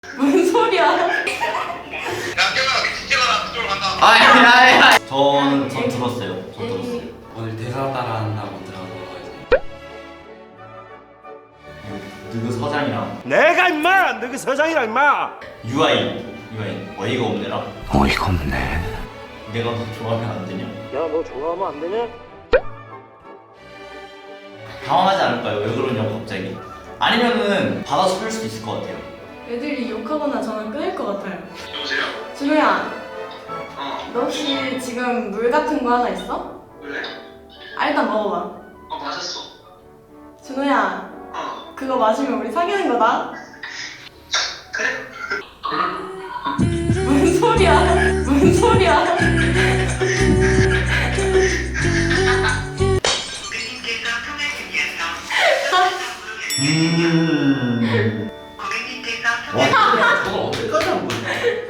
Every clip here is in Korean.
무슨 소리야? 야 깨어나 미친 깨어나 그쪽으로 간다. 아야야야. 전 들었어요. 전 들었어요. 오늘 대사 따라한다고 들어서 이제 누구 서장이랑 내가 임마! 너그 서장이랑 임마! 유아인 어이가 없네라. 어이가 없네. 내가 너 좋아하면 안 되냐? 야 너 좋아하면 안 되냐? 당황하지 않을까요? 왜 그러냐고 갑자기. 아니면은 받아서 할 수도 있을 것 같아요. 애들이 욕하거나 전화 끊을 것 같아요. 여보세요? 준호야, 어 너 혹시 지금 물 같은 거 하나 있어? 왜? 아, 일단 먹어봐. 어 맞았어. 준호야, 어 그거 마시면 우리 사귀는 거다? 그래? 무슨 소리야? 무슨 소리야? 고객님께서 통화 중이어서 고객님께서 와, 저걸 언제까지 한 거야?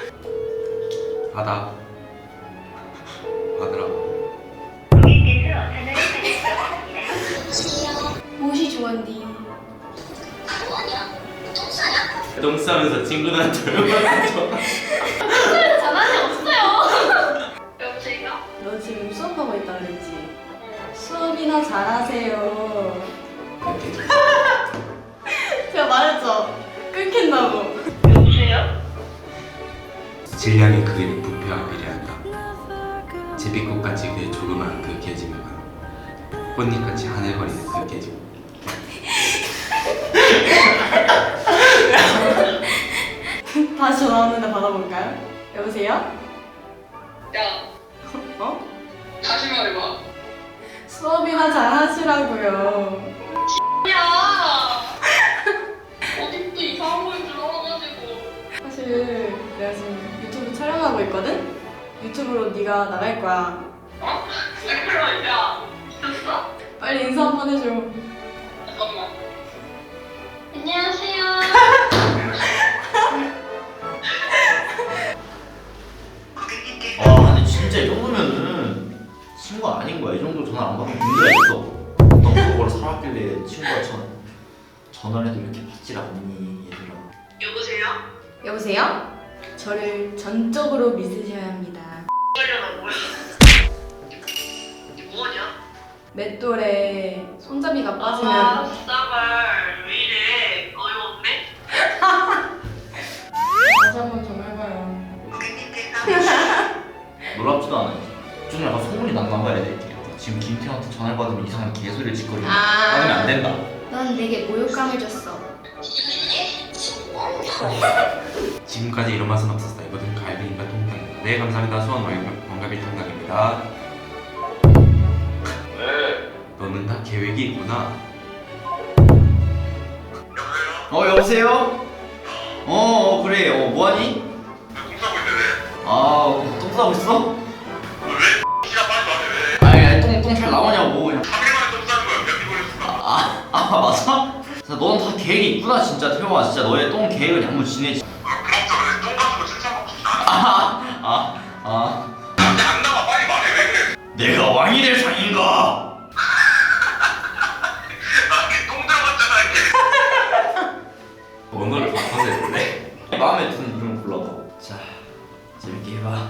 받아 받으라고. 무엇이 좋았니? 똥 싸면서 친구들한테 얼마나 좋아. 전화는 없어요. 여보세요? 너 지금 수업하고 있다 그랬지? 수업이나 잘하세요. 제가 말했죠? 끊긴다고. 여보세요? 질량이 그 부패와 비례한다. 제비꽃같이 그 조그만 그 계집애가 꽃잎같이 하늘거리는 그 계집. 다시 전화 왔는데 받아볼까요? 여보세요? 야 어? 다시 말해봐. 수업이나 잘하시라고요. 야 어디 또 이상한 걸 들어와가지고. 사실 내가 지금 유튜브 촬영하고 있거든? 유튜브로 네가 나갈 거야. 어? 그럼 야 미쳤어? 빨리 인사 한번 해줘. 잠깐만. 안녕하세요. 고객님께서 와, 근데 진짜 이 정도면은 친구 아닌 거야. 이 정도 전화 안 받으면 문제가 있어. 어떤 그거를 살았길래 친구가 전화를 해도 이렇게 받질 않니, 얘들아. 여보세요? 여보세요? 저를 전적으로 믿으셔야 합니다. 이러려나 뭐야? 이게 뭐하냐? 맷돌에 손잡이가 빠지면 아 싸발 왜 이래 어이없네? 다시 한번 전화해봐요. 고객님께서 놀랍지도 않아요. 좀 약간 소문이 났나 봐야 돼. 지금 김태형한테 전화를 받으면 이상한 개소리를 짓거리고 받으면 안 된다. 넌 내게 모욕감을 줬어. 지금까지 이런 맛은 없었다. 이거는 갈비인가 통닭인가. 네 감사합니다. 수원 왕갈비 통닭입니다. 왜? 너는 다 계획이 있구나. 여보세요? 그래. 뭐하니? 공 싸고 있는데 똥 싸고 있어? 왜? 시간 빨리 말해 왜? 아니, 똥 잘 나오냐고. 그냥. 3일 만에 똥 싸는 거야 몇 개월 했을까? 맞아? 진짜 넌 다 계획이 있구나, 진짜. 태용아, 진짜 너의 똥 계획을 한번 지내지. 아 그럼 저래 똥 가지고 칭찬받고 싶지 않아 근데 안 나와 빨리 말해 왜 그래 내가 왕이 될 상인가? 나똥 들어갔잖아 이게 언어를 바꿔서 했는데. 마음에 드는 좀 골라봐. 자, 재밌게 해봐.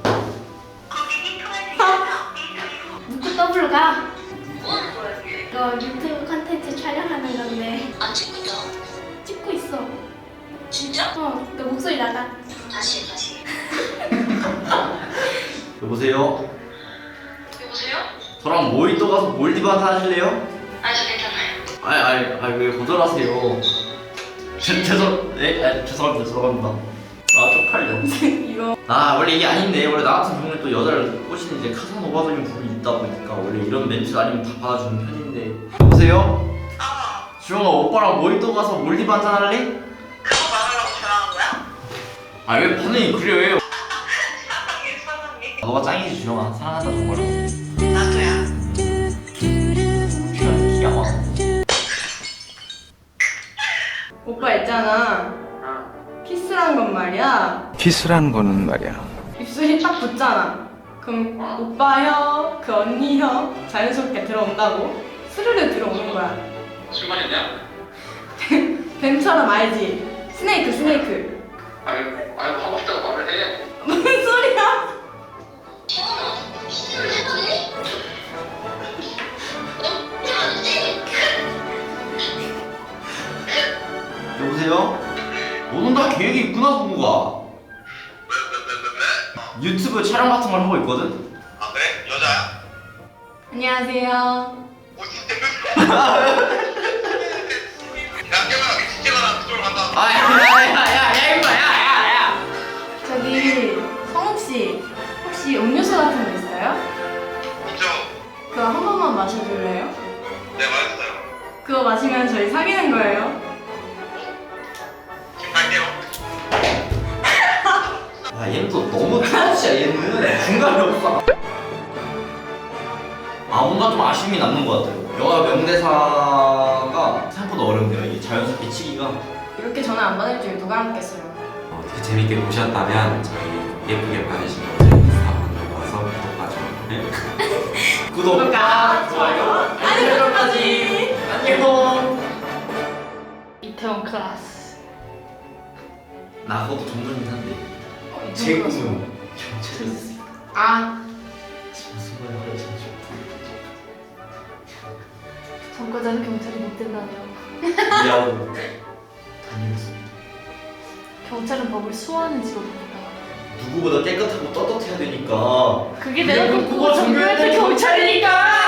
묻고 더블로 가. 뭐 하는 거야 이게 너 유튜브 컨텐츠 촬영하는 건데 안 찍고 있다 찍고 있어. 진짜? 너 목소리 나가. 다시 여보세요? 여보세요? 저랑 모히또 가서 몰디브 한잔 하실래요? 아 저 괜찮아요 왜 거절하세요? 죄송합니다. 쪽팔려. 이거 원래 이게 아닌데, 원래 나 같은 경우는 또 여자를 꼬시는 이제 카사노바적인 부분이 있다 보니까 원래 이런 멘트 아니면 다 받아주는 편인데. 여보세요? 주영아, 오빠랑 모히또 가서 몰디브 한잔 할래? 그거 말하려고 전화한 거야? 왜 반응이 그래? 사랑해 너가 짱이지, 주영아. 사랑한다, 정말로. 나도야 기가 막혀. 오빠 있잖아. 키스란 건 말이야. 키스라는 거는 말이야. 입술이 딱 붙잖아. 그럼 오빠 혀, 그 언니 혀 자연스럽게 들어온다고 스르르 들어오는 거야. 술 마셨냐? 뱀처럼 알지? 스네이크. 아이고 하고 싶다고 말을 해. 무슨 소리야? 여보세요? 너는 다 계획이 있구나 성구가. 왜? 유튜브 촬영 같은 걸 하고 있거든? 아 그래? 여자야? 안녕하세요. 오 진짜 야 깨봐라 미친 깨봐라 그쪽으로 간다. 야야야야 임마 야야야. 저기 성욱 씨 혹시 음료수 같은 거 있어요? 있죠? 그거 한 번만 마셔줄래요? 네 말했어요. 그거 마시면 저희 사귀는 거예요. 지금 갈게요. 야 얘는 또 너무 트라우치야 얘는. 중간이 없어. 아 뭔가 좀 아쉬움이 남는 것 같아요. 영화 명대사가 생각보다 어렵네요. 이게 자연스럽게 치기가. 이렇게 전화 안 받을 줄 누가 알았겠어요. 어떻게 재밌게 보셨다면 저희 예쁘게 봐주신 분들 인스타 만들고 와서 구독과 좋아요 구독과 좋아요 알림 설정까지. 안녕. 이태원 클래스. 나 그것도 전문이긴 한데 제 꿈은 경찰이었어. 아 무슨 말을 하지? 전과자는 경찰이 못 된다네요. 미안하고 다니겠습니다. 경찰은 법을 수호하는 직업입니다. 누구보다 깨끗하고 떳떳해야 되니까. 그게 내가 그리고 꿈꾸고 전교할 때 경찰이니까.